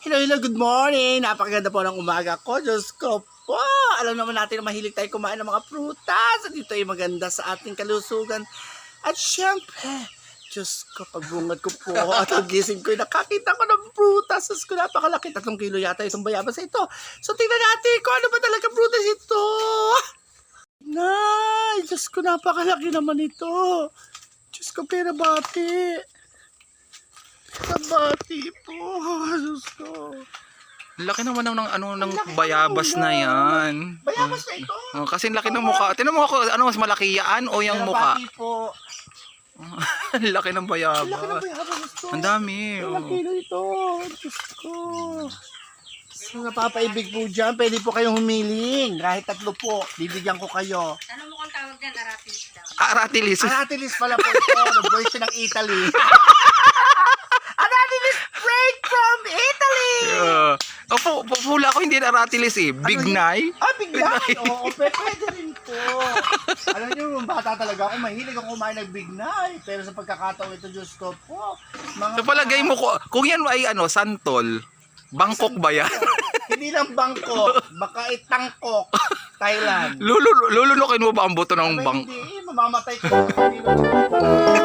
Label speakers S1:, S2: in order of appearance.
S1: Hello, good morning! Napakaganda po ng umaga ko. Diyos ko po! Alam naman natin na mahilig tayo kumain ng mga prutas. At ito ay maganda sa ating kalusugan. At syempre, Diyos ko, pagbungad ko po at ang gising ko, nakakita ko ng prutas. Diyos ko, napakalaki. 3 kilo yata itong bayabas na ito. So, tingnan natin kung ano ba talaga prutas ito. Nay! Diyos ko, napakalaki naman ito. Diyos ko, pera bati. Sabati po. Diyos ko.
S2: Laki naman ng bayabas na yan.
S1: Bayabas na ito.
S2: Kasi laki ng mukha. Tinan mo ako, ano mas malaki yan o yung mukha?
S1: Sabati po.
S2: Laki ng bayabas.
S1: Laki ng bayabas ito.
S2: Ang dami.
S1: Ilang kilo ito. Diyos ko. So, napapaibig po dyan. Pwede po kayong humiling. Kahit 3 po. Bibigyan ko kayo.
S3: Ano mo kung tawag dyan? Aratilis daw.
S2: Aratilis.
S1: Aratilis pala po ito. Version ng Italy. Aratilis straight from Italy.
S2: Pula ko hindi aratilis eh. Bignay.
S1: Bignay. Oo, pwede rin po. Alam niyo, yung bata talaga ako, mahilig ako kumain ng bignay. Pero sa pagkakataon ito, Diyos ko po.
S2: Sa palagay mo, kung yan ay santol, Bangkok ba yan?
S1: Hindi lang Bangkok, baka Tangkok, Thailand.
S2: Lulunukin mo ba ang buto ng
S1: Abay,
S2: bang?
S1: hindi, mamamatay ko.